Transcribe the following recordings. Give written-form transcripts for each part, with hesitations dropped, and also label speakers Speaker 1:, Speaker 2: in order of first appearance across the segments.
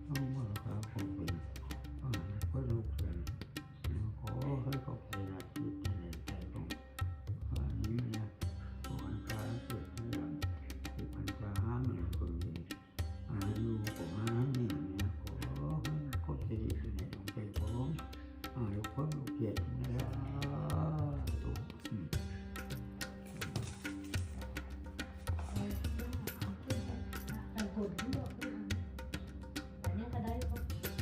Speaker 1: เอามาครับผมเป็นก็ลูกเป็นขอให้เขาไปนะจิตในใจของนี้นะผู้อันกลางเกิดเรื่องผู้อันกลางห้ามหนึ่งคนดีอยู่ของห้ามนี่นะขอให้เขาจะดีในดวงใจของลูกคนลูกเกียรตินะตุ๊ก
Speaker 2: ผลที่บอกว่าอันนี้ก็ได้ก็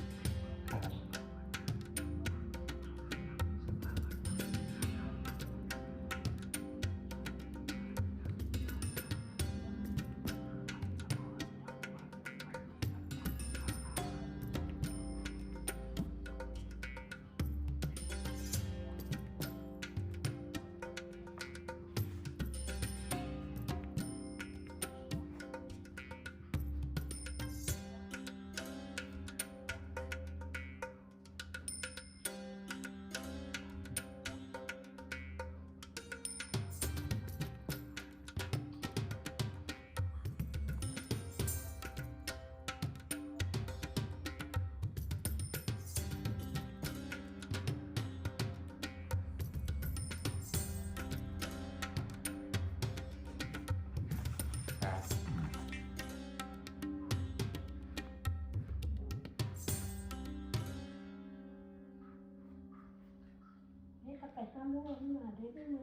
Speaker 2: ไปข้ามโลกมาได้ด้วยมือ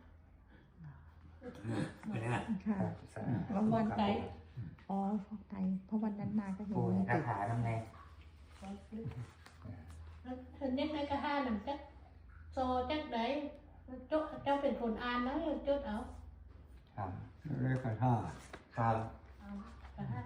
Speaker 3: ไม่ได้
Speaker 4: ค่ะ
Speaker 2: วันไกด์
Speaker 4: อ๋อฟอกไตเพราะวันนั้นมาก็เห็น
Speaker 3: ปู
Speaker 4: เลย
Speaker 3: คาถาทำไง
Speaker 2: เห็นยังไงก็ห้าหนังจักโซจักได้เจ้าเป็นคนอ่านแล้วจดเอา
Speaker 3: ครับ
Speaker 1: เรียกกันท่า
Speaker 3: ครับ
Speaker 2: เอาก็ห้า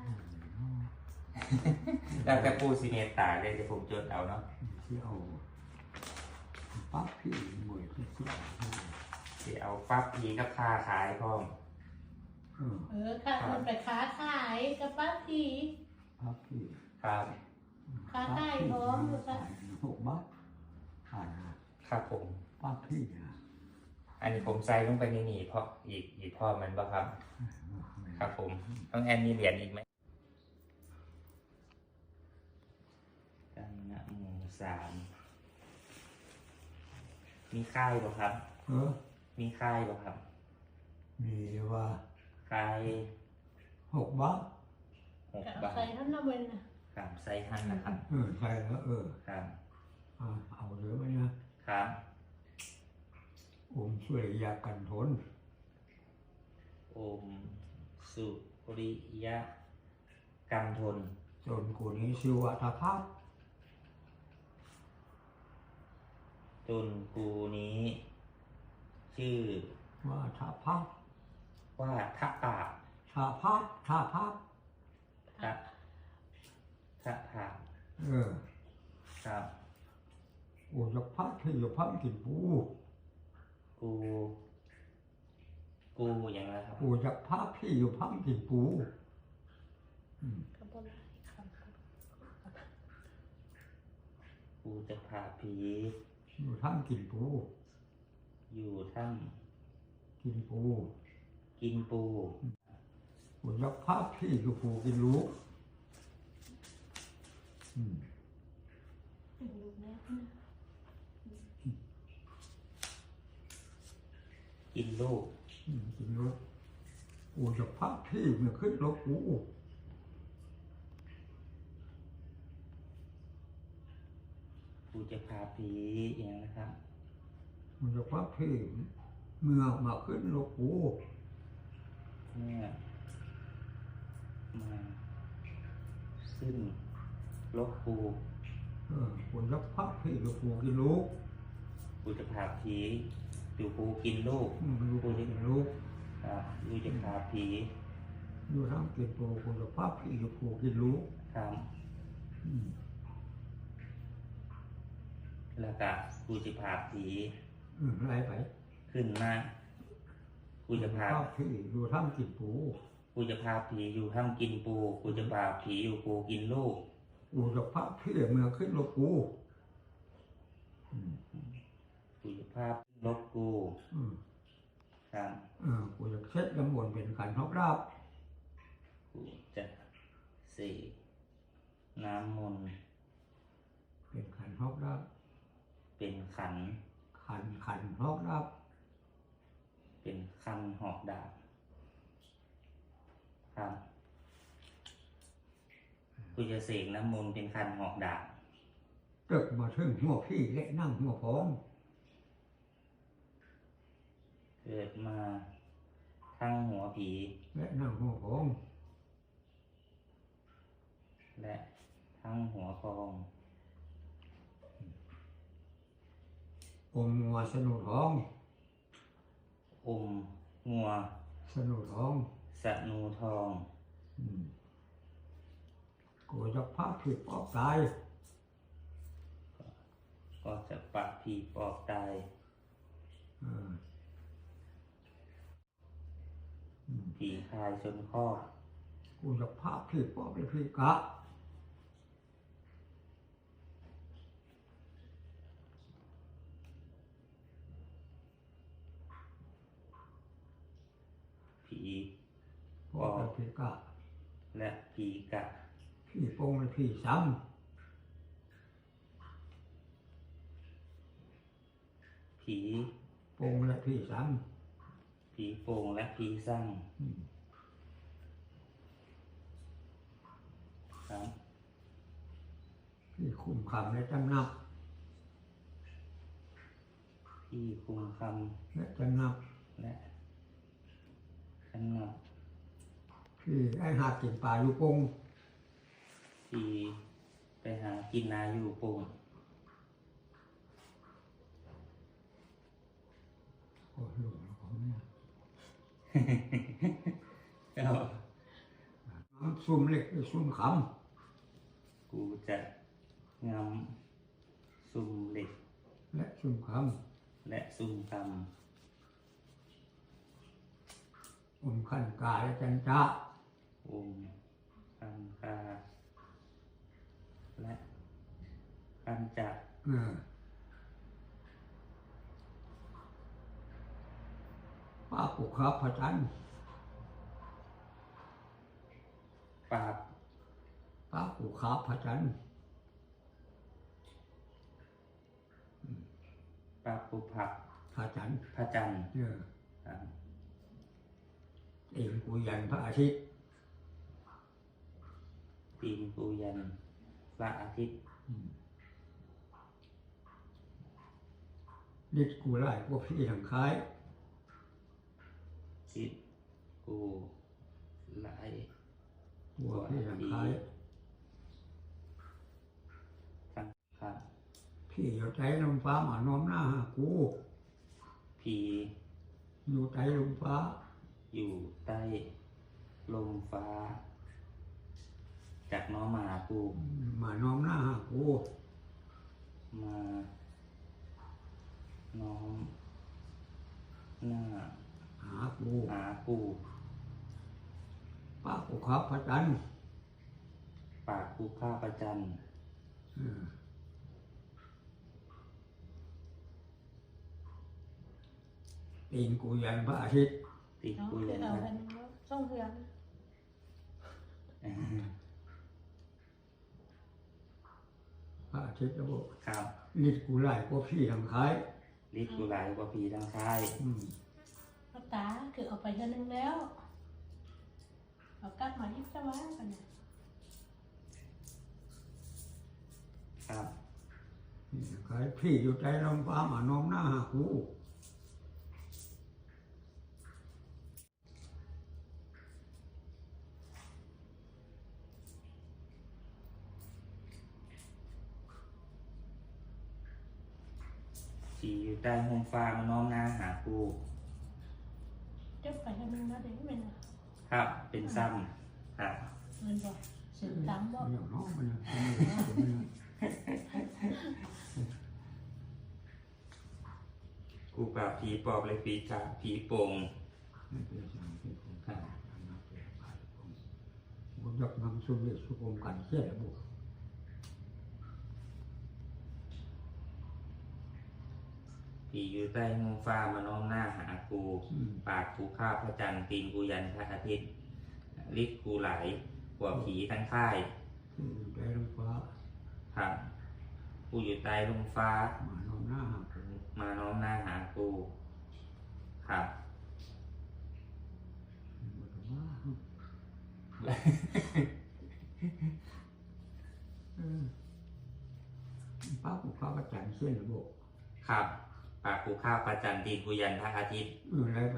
Speaker 3: แล้วแต่ปูซีเนตตาเลยจะผมจดเอาเนาะ
Speaker 1: ที่เอาปั๊บพี่มวยที่สุด
Speaker 3: ที่เอาปั๊บพีกับคาขายพร้อม
Speaker 2: ค่ะคนไปค้าขายกับป้าที
Speaker 1: ปั๊บพี่
Speaker 3: ครับ
Speaker 2: ค้าขายพร้อมหรือเปล่า
Speaker 1: 6 บาท
Speaker 3: ครับผม
Speaker 1: ปั๊บพี่
Speaker 3: อันนี้ผมใส่ลงไปในนี่เพราะอีกพ่อมันบ่ครับ ครับผมต้องแอนมีเหรียญอีกไหมกันนะหมู่3มีค่ายบ่ครับ มีค่ายบ่ครับ
Speaker 1: มีว่า
Speaker 3: ค่าย
Speaker 1: 6 บาท
Speaker 3: 6 บาท
Speaker 2: ใส่ท่านน้ำมันนะครับ
Speaker 3: ใส่หั่นนะครับ
Speaker 1: ใช่แล้ว
Speaker 3: ครับ
Speaker 1: เอาเหลือไหมนะครับ ช่วยยากันทน
Speaker 3: อมสุริยะกันทน
Speaker 1: จนกูนี้ชื่อว่าทพัฒน์
Speaker 3: จนกูนี้ ชื่อ
Speaker 1: ว่าทพัฒน์
Speaker 3: ว่าทะปา
Speaker 1: ทพัฒน์ทพัฒน์
Speaker 3: ทะผาครับ
Speaker 1: โอ้ยพัฒน์ที่อยู่พัฒน์กินปู
Speaker 3: กูอย่างไรครับ
Speaker 1: โอ้ยพัฒน์ที่อยู่พัฒน์กินปู
Speaker 2: ก็บ่ได้ครับ
Speaker 3: กูจะพาผี
Speaker 1: อยู่ถ้ำกินปู
Speaker 3: อยู่ถ้
Speaker 1: กินปู
Speaker 3: ำกินปู
Speaker 1: โอ้ยพัฒน์ที่อยู่ปูกินลูก
Speaker 2: เป็นลูกแม่
Speaker 3: กินลูก
Speaker 1: กินลูกโอ้ยพัฒน์ที่มันขึ้นรถปู
Speaker 3: กูจะพาผีอย่างนะครับ
Speaker 1: โอ้ยพัฒน์ที่เมื่อมาขึ้นรถปู
Speaker 3: เมื่อมาขึ้นลบกู
Speaker 1: โอ้ยพัฒน์ที่อยู่ปูกินลูก
Speaker 3: กูจะพาผีอยู่กูกินลูก
Speaker 1: ลูกกินลูก
Speaker 3: กูจะพาผี
Speaker 1: อยู่ถ้ำกินปูโอ้ยพัฒน์ที่อยู่ปูกินลูก
Speaker 3: ครับ แล้วก็กูจะพาผี
Speaker 1: ไรไป
Speaker 3: ขึ้นมากูจะพา
Speaker 1: พัฒน์ที่อยู่ถ้ำกินปู
Speaker 3: กูจะพาผีอยู่ถ้ำกินปู กูจะพาผีอยู่ปูกินลูก
Speaker 1: โอ้ยพัฒน์ที่เมื่อขึ้นรถปู
Speaker 3: กูจะพาลบกู ครับ
Speaker 1: กูจะเช็ดน้ำมนต์เป็นขันทบราบ
Speaker 3: กูจะเสกน้ำมนต์
Speaker 1: เป็นขันฮอกรับ
Speaker 3: เป็นขัน
Speaker 1: ขันฮอกรับ
Speaker 3: เป็นคันหอกดาบครับกูจะเสกน้ำมนต์เป็นคันหอกดาบ
Speaker 1: ตึกมาถึงหัวพี่และนั่งหัวพ้อง
Speaker 3: เกิดมาทั้งหัวผี
Speaker 1: และนั่งหัวพ้อง
Speaker 3: และทั้งหัวพอง
Speaker 1: อมงัวสนุท้อง
Speaker 3: อมงัว
Speaker 1: สนุท้อง
Speaker 3: สนูทอง
Speaker 1: กูจะพาผิดออกตาย
Speaker 3: ก็จะปะผีปอบตาย
Speaker 1: เออ
Speaker 3: ผีคายชนคอก
Speaker 1: กูจะพาผิดออกไปผิดกะ
Speaker 3: ผี
Speaker 1: พอไปผิดกะ
Speaker 3: และผีกะ
Speaker 1: พี่โปงและพี่ซ้
Speaker 3: ผี
Speaker 1: ำโปงและพี่ซ้
Speaker 3: ผีโป่งและผีสั่ง
Speaker 1: ำ
Speaker 3: ครับ
Speaker 1: พี่คุมคำและจำนับ
Speaker 3: พี่คุมค
Speaker 1: และจำนับ
Speaker 3: ำและขันนับ
Speaker 1: พี่ไอ้หากินปลาอยู่ปง
Speaker 3: พี่ไปหากินนาอยู่โป่ง
Speaker 1: โอ้ยหลวงของเนี่ย
Speaker 3: ก็
Speaker 1: น้ำซุ่มเล็กหรือซุ่มข
Speaker 3: กูจะงำซุ่มเหล็ก
Speaker 1: ำและซุ่มข
Speaker 3: และซุ่มค
Speaker 1: ำอมขันกาและจันจ้า
Speaker 3: ำอมคันคาและคันจัก
Speaker 1: ป้าปุครับพระจันทร์
Speaker 3: ปราบ
Speaker 1: ป้าปุครับพระจันทร์
Speaker 3: ปราบปุผัก
Speaker 1: พระจันทร์
Speaker 3: พระจันทร์ ครับ
Speaker 1: เองกุยันพระอาทิตย์
Speaker 3: ตีนปูยันพระอาทิตย์
Speaker 1: นิดกูไล่พวกพี่ทางคล้าย
Speaker 3: ทิศกูไหล
Speaker 1: พวกพี่ทางคล้าย
Speaker 3: ทั้งครับ
Speaker 1: พี่อยู่ใจลมฟ้ามาน้อมหน้าหากู
Speaker 3: ผี
Speaker 1: อยู่ใจลมฟ้า
Speaker 3: อยู่ใต้ลมฟ้า จากน้องมาหากู
Speaker 1: มาน้อมหน้าหากู
Speaker 3: มาน้อมหน้า
Speaker 1: หากู
Speaker 3: หากู
Speaker 1: ป้าปุครับพระจันทร์
Speaker 3: ปากกูข้าประจัน
Speaker 1: ตีนกูยันพระอาทิตย์
Speaker 3: ติด
Speaker 2: เนาะ
Speaker 3: กู
Speaker 2: คือ
Speaker 3: ยัน
Speaker 2: เอา
Speaker 3: นะ
Speaker 2: อันส่งเฮือน
Speaker 1: พระอาทิตย์แล้วบอก
Speaker 3: ครับ
Speaker 1: นิดกูไล่พวกพี่ทางคล้าย
Speaker 3: ลิดกูไหลกว่าผีทางค่าย
Speaker 2: เอาตาคือเอาไปเท่านึงแล้วเอากลับมาอีกสักวันกันเนี่ย
Speaker 3: ครับ
Speaker 1: คล้ายพี่อยู่ใจลมฟ้ามาน้อมหน้าหากู
Speaker 3: ผีอยู่ใต้ห้องฟ้ามาน้อมหน้าหากู
Speaker 2: เจ้าไปเท่านึงแล้วเดี๋ยวเป็น
Speaker 3: ครับ เป็นซ้ำครับ
Speaker 2: เงินบอกสืบตามบอก
Speaker 1: อย่างน้องมันเนี่ย
Speaker 3: กูปราบผีปอบเลยผีกาผีโป่ง
Speaker 1: ไม่เป็นสิ่งที่ผมทำนับเป็นไปผมยกนำสุริสุกรมกันเสียบุ
Speaker 3: ผีอยู่ใต้ห้องฟ้ามาน้อมหน้าหากู ปากกูข้าพระจันทร์ตีนกูยันพระอาทิตย์ลิดกูไหลกว่าผีทั้งค่าย
Speaker 1: ที่อยู่ใจลมฟ้า
Speaker 3: ครับปูอยู่ใต้ลมฟ้า
Speaker 1: มาโน้มหน้าหากู
Speaker 3: มาน้อมหน้าหาปูครับ
Speaker 1: ป้ากูข้าวประจันเส้นระบบ
Speaker 3: ครับปากกูข้าวประจันตีนกูยันพระอาทิตย์
Speaker 1: อะไรไป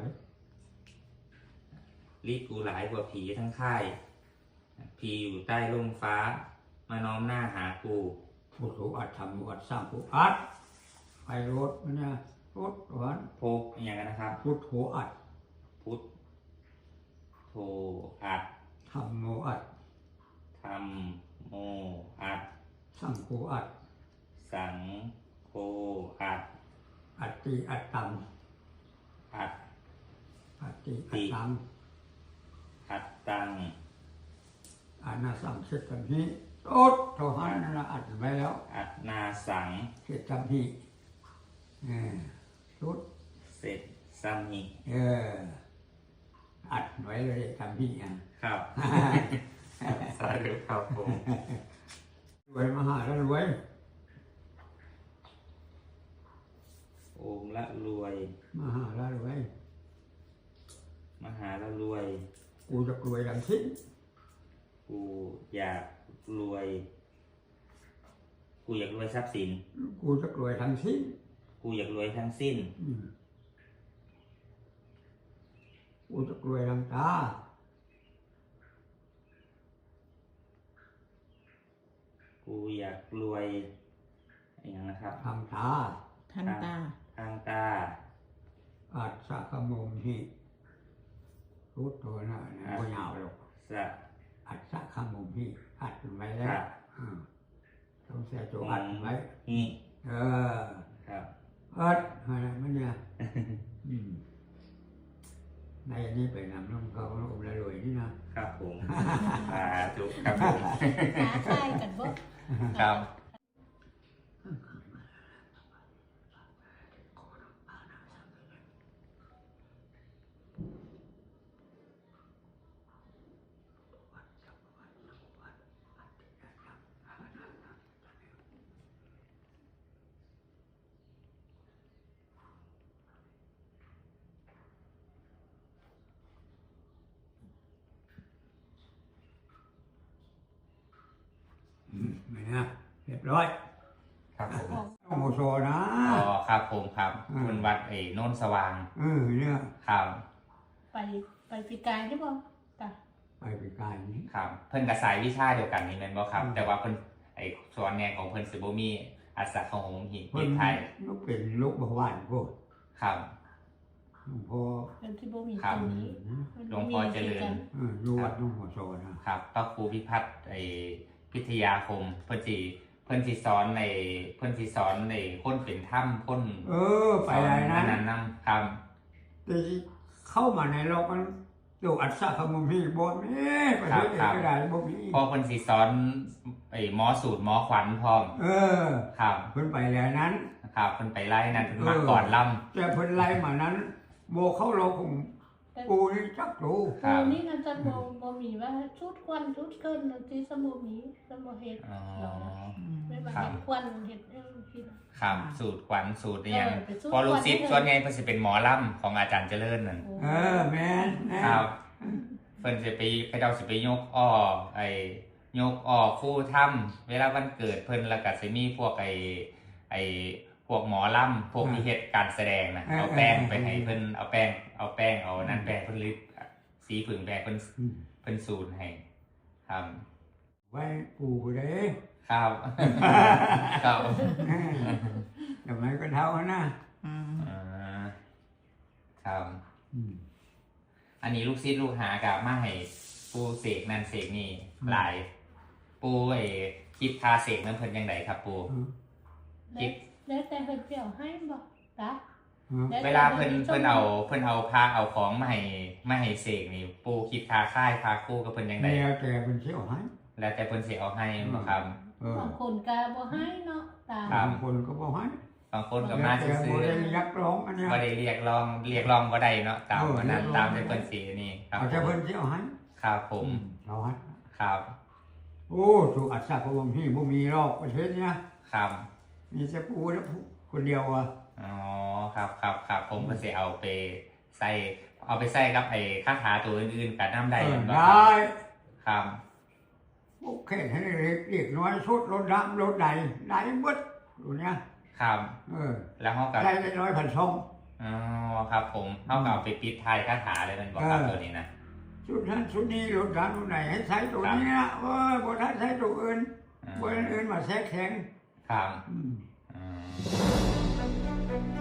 Speaker 3: รีดกูหลายกว่าผีทั้งค่าย ผีอยู่ใต้ร่มฟ้า มาน้อมหน้าหากู
Speaker 1: พุทโธอัดทำอัดสร้างพุทอัดไปรถมันเนี่ยรถหวาน
Speaker 3: โพกอย่างนั้นนะครับ
Speaker 1: พุทโธอัด
Speaker 3: พุทโธอัด
Speaker 1: ทำโมอัด
Speaker 3: ธรรมโมอัด
Speaker 1: สร้างโฆอัด
Speaker 3: สังโฆอัด
Speaker 1: อัดตีอัดตัง
Speaker 3: อัด
Speaker 1: อัดตีอัดตัง
Speaker 3: อัดตัง
Speaker 1: อันน่าสั่งเสร็จกันนี้รถโทรหานั่นละอัดไว้แล้ว
Speaker 3: อัดนาสัง
Speaker 1: เสร็จจำที่รถ
Speaker 3: เสร็จสัมหิ
Speaker 1: อัดไว้เลยจำที่อ่ะ
Speaker 3: ครับ สาธุครับผม
Speaker 1: รวยมหาแล้วรวย
Speaker 3: โอมละรวย
Speaker 1: มหาแล้วรวย
Speaker 3: มหาละรวย
Speaker 1: กูจะรวยดังสิ้น
Speaker 3: กูอยากรวย กูอยากรวยทรัพย์สิน
Speaker 1: กูจะรวยทั้งสิ้น
Speaker 3: กูอยากรวยทั้งสิ้น
Speaker 1: กูจะรวยดังตา
Speaker 3: กูอยากรวยอย่างนะครับ
Speaker 1: ทำตา
Speaker 4: ทันตา
Speaker 3: ทางตา
Speaker 1: อัดสักมุมที่รู้ตัวนะไม่ยาวหรอก
Speaker 3: สะ
Speaker 1: อัดสักมุมที่อัดไว้แล้
Speaker 3: ขะ
Speaker 1: วต้องเสียตัวอัดไว้
Speaker 3: หิ ครับ
Speaker 1: อัดอะไรมันเนี่ยในนี้ไปนำน้องเขาอมละรวยนี่นะครับ
Speaker 3: ผมสาธุครับผม
Speaker 2: หาใครกันบ่
Speaker 3: ครับ
Speaker 1: ไม่นะเรียบร้อย
Speaker 3: ครับผม
Speaker 1: โมโซนะ
Speaker 3: อ๋อครับผมครับคุณวัดโนนสว่าง
Speaker 1: เนี่ย
Speaker 3: ครับ
Speaker 2: ไปปีกายใช่ป่ะจ้ะ
Speaker 1: ไปไปไกลนี้
Speaker 3: ครับ เพิ่นกับสายวิชาเดียวกันนี่แม่นบ่ครับ แต่ว่าเพิ่นส่วนแนวของเพิ่นสิบ่มีอัศของหงหิน
Speaker 1: เพิ่น
Speaker 3: ไทย
Speaker 1: ลูกเป็นลูกบวานพวก
Speaker 3: ครับ
Speaker 1: หลวงพ่อ
Speaker 2: เป็นที่บ่มี
Speaker 3: ครั
Speaker 2: ต
Speaker 3: บ
Speaker 2: รงนี้
Speaker 3: หลวงพ่อเจริญ
Speaker 1: อยู่วัดน้องหัวโซนะครับ
Speaker 3: พระครูพิพัฒน์พิทยาคมเพิ่นสิสอนคนเป็นถ้ำคน
Speaker 1: ไปอะไรนะ
Speaker 3: นั้นนำครับ
Speaker 1: แต่เข้ามาในโลกมันดูอัศขมุมพี่บ่มีประเทศเอกก็ได้บ่มี
Speaker 3: พอเพิ่นสิสอนหมอสูตรหมอขวัญพร้อมครับ
Speaker 1: เพิ่นไปแล้วนั้น
Speaker 3: ครับเพิ่นไปไล่นั่นเพิ่นมาก่อนล่ำ
Speaker 1: แต่เพิ่นไล่มานั้นโบเข้าโลกของกูนี่จักรู้
Speaker 3: ครั
Speaker 2: โอ้
Speaker 3: บ
Speaker 2: นี่นั่นจะบ่มีว่าชุดควันชุดเกินที่สมุมีสมุเฮ็ด
Speaker 3: อ๋อ
Speaker 2: ไม่ว่าเฮ็ดควันเฮ็ดที่
Speaker 3: ครับสูตรขวัญสูตรเนี่ยง
Speaker 2: เป็นสูตร
Speaker 3: พอลูกศิษย์
Speaker 2: ขวัญ
Speaker 3: ส่วนใหญ่เพิ่นสิเป็นหมอล่ำของอาจารย์เจริญนั่น
Speaker 1: แม่น
Speaker 3: ครับเพิ่นสิไปเจ้าสิไปยกอ้อยกอ้อคู่ถ้ำเวลาวันเกิดเพิ่นแล้วก็สิมีพวกพวกหมอล่ำพวกที่เฮ็ดการแสดงนะเอาแป้งไปให้เพิ่นเอาแป้งเอานั่นแป้งเพิ่นลิดสีผึ่งแป้งเพิ่นสูตรให้ครับ
Speaker 1: ไว้ปูเด้
Speaker 3: ครับครับ
Speaker 1: ทำไมก็เท่านะ
Speaker 3: ครับ อันนี้ลูกศิษย์ลูกหากับมาให้ปูเสกนั่นเสกนี่หลาย ปูคิดคาเสกนั้นเพิ่นยังไงครับปู
Speaker 2: แล้วแต่เพิ่นเปรี้ยวให้บ่จ้ะ
Speaker 3: เวลาเพิ่นเอาพาเอาของมาให้เสกนี่ปูคิดคาค่ายคาคู่กับเพิ่นยังไง
Speaker 1: แล้วแต่เป็นเชี่ยวให้
Speaker 3: แล้วแต่เพิ่นสิเอาให้บ่ครับ
Speaker 2: บางคนก็บ่ให้เนาะจ้ะ
Speaker 3: ครับ
Speaker 1: บางคนก็บอกให้
Speaker 3: บางคนก็มา
Speaker 1: แต่
Speaker 3: ซื้
Speaker 1: บ่
Speaker 3: อ
Speaker 1: ได้ยักร้องอันเนี้ย
Speaker 3: บ่ได้เรียกร้องบ่ได้เนาะตามวันนั้นตามที่เพิ่นสินี่ครับ
Speaker 1: เอาแต่เพิ่นเชี่ยวให้
Speaker 3: ครับผม
Speaker 1: เราให้
Speaker 3: ครับ
Speaker 1: โอ้ถูกอัศจรรย์พี่บ่มีรอบประเทศเนี้ย
Speaker 3: ครับ
Speaker 1: มีแต่ปูแล้วคนเดียวอ่ะ
Speaker 3: อ๋อครับผมก็สิเอาไปใส่กับไอ้คาถาตัวอื่นๆกับน้ำได้
Speaker 1: ได้
Speaker 3: ครับ
Speaker 1: โอเคให้เล็กน้อยสุดรถดำรถใดได้หมดตัวเนี้ย
Speaker 3: ครับ แล้วเขากับ
Speaker 1: ได้ได้ร้อยพันช่อง
Speaker 3: อ๋อครับผมเขากับไปปิดท้ายคาถาเลยมันบอกครับตัวนี้นะ
Speaker 1: ชุดนั้นชุดนี้รถดำตัวไหนให้ใช้ตัวนี้นะบ่ทันใช้ตัวอื่นบ่อื่นมาแทรกแซง
Speaker 3: ครับ
Speaker 1: อืม
Speaker 3: อืม